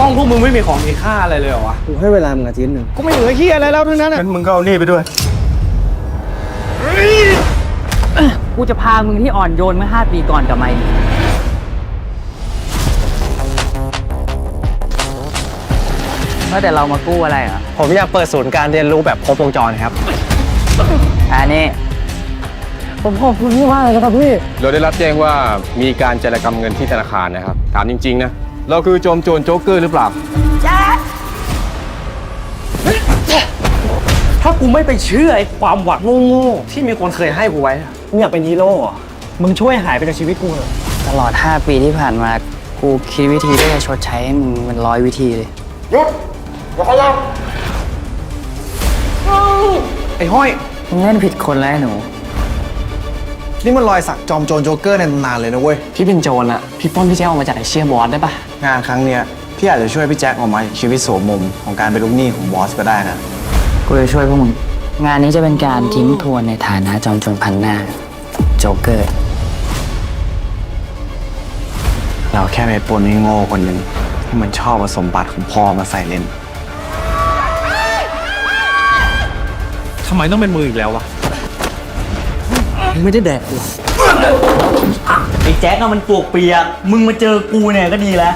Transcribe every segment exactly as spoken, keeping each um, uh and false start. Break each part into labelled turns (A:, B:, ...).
A: องพวกมึงไม่มีของมีค่าอะไรเลยเหรอวะ
B: กูให้เวลามึงอาทิตย์หนึ่ง
A: ก็ไม่เหลือเฮียอะไรแล้วทั้งนั้นงั้นมึงก็เอานี่ไปด้วย
C: กูจะพามึงที่อ่อนโยนเมื่อห้าปีก่อนกลับมาเมื่อแต่เรามากู้อะไรอ่ะ
B: ผมอยากเปิดศูนย์การเรียนรู้แบบครบวงจรครับ
C: อันนี้
B: ผมขอบคุณพี่มากเลยครับพี่
D: เราได้รับแจ้งว่ามีการจารกรรมเงินที่ธนาคารนะครับถามจริงๆนะเราคือโจมโจรโจ๊กเกอร์หรือเปล่า
A: ถ้ากูไม่ไปเชื่อไอ้ความหวังโง่ๆที่มีคนเคยให้กูไว้มึงอยากเป็นฮีโร่เหรอมึงช่วยหายไปจากชีวิตกูเถอะ
C: ตลอดห้าปีที่ผ่านมากูคิดวิธีที่จะชดใช้ให้มึงเป็นร้อยวิธีเลย
D: หยุดอย่าขยับ
A: ไอ้ห้อย
C: มึงเล่นผิดคนแล้วหนู
B: นี่มันรอยสักจอมโจรโจ๊กเกอร์ในตำนานเลยนะเว้ย
E: พี่เป็นโจรอะพี่ป้อนพี่แจ๊คออกมาจากไอเชียบอสได้ปะ
B: งานครั้งเนี้ยพี่อาจจะช่วยพี่แจ็คออกมาจากชีวิตโสมมของการเป็นลูกหนี้ของบอสก็ได้นะ
C: กูจะช่วยพวกมึงงานนี้จะเป็นการทิ้งทวนในฐานะจอมโจรพันหน้าโจ๊กเกอร์
B: เราแค่ไปปนให้โง่คนหนึ่งที่มันชอบเอาสมบัติของพ่อมาใส่เล่น
A: ทำไมต้องเป็นมืออีกแล้ววะ
B: ไม่ได้แดกกู
E: ไอ้แจ๊คอะมันปวกเปียกมึงมาเจอกูเนี่ยก็ดีแล้ว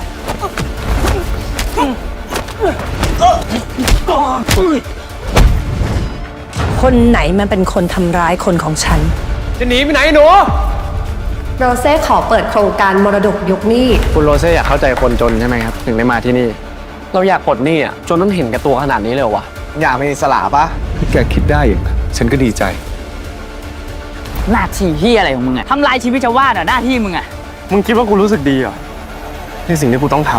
F: คนไหนมันเป็นคนทำร้ายคนของฉัน
A: จะหนีไปไหนหนู
F: โรเซ่ขอเปิดโครงการมรดกยกหนี้
B: คุณโรเซ่อยากเข้าใจคนจนใช่ไหมครับถึงได้มาที่นี่เราอยากปลดหนี้อ่ะจนต้องเห็นกับตัวขนาดนี้เลยวะอยากเป็นอิสระปะ
D: พี่แกคิดได้อย่างฉันก็ดีใจ
C: หน้าที่ที่อะไรของมึงอะทำลายชีวิตชาวบ้านอะหน้าที่มึงอะ
B: มึงคิดว่ากูรู้สึกดีเหรอในสิ่งที่กูต้องท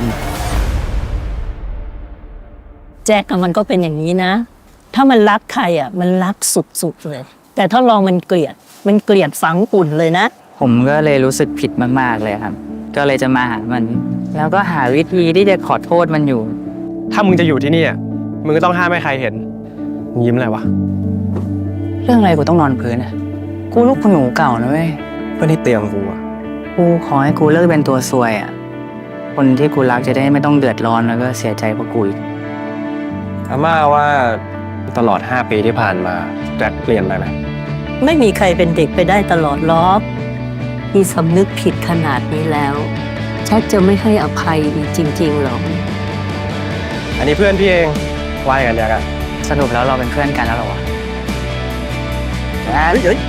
F: ำแจ็คมันก็เป็นอย่างนี้นะถ้ามันรักใครอ่ะมันรักสุดๆเลยแต่ถ้าลองมันเกลียดมันเกลียดฝังกุ่นเลยนะ
C: ผมก็เลยรู้สึกผิดมากๆเลยครับก็เลยจะมาหามันแล้วก็หาวิธีที่จะขอโทษมันอยู่
B: ถ้ามึงจะอยู่ที่นี่มึงก็ต้องห้ามไม่ใครเห็นมึงยิ้มอะไรวะ
C: เรื่องอะไรกูต้องนอนพื้นอะกูลูกคุณหนูเก่านะเว้ย
B: เพื่อนที่เตียงกูอะ
C: กูขอให้กูเลิกเป็นตัวซวยอะคนที่กูรักจะได้ไม่ต้องเดือดร้อนแล้วก็เสียใจเพราะกูอีก
B: อาม่าว่าตลอดห้าปีที่ผ่านมาแจ็คเปลี่ยนไปไหม
F: ไม่มีใครเป็นเด็กไปได้ตลอดล้อมีสำนึกผิดขนาดนี้แล้วแจ็คจะไม่ให้อภัยจริงๆหรอ
B: อันนี้เพื่อนพี่เองว่ากันเดียวกัน
C: สรุปแล้วเราเป็นเพื่อนกันแล้วหรอวะเฮ้ย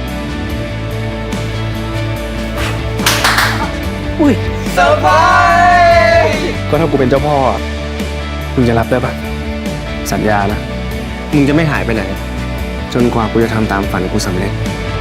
F: อุ้ย
A: เซอร์ไพรส์
B: ก็ถ้ากูเป็นเจ้าพ่อมึงจะรับได้ปะสัญญานะมึงจะไม่หายไปไหนจนกว่ากูจะทำตามฝันกูสำเร็จ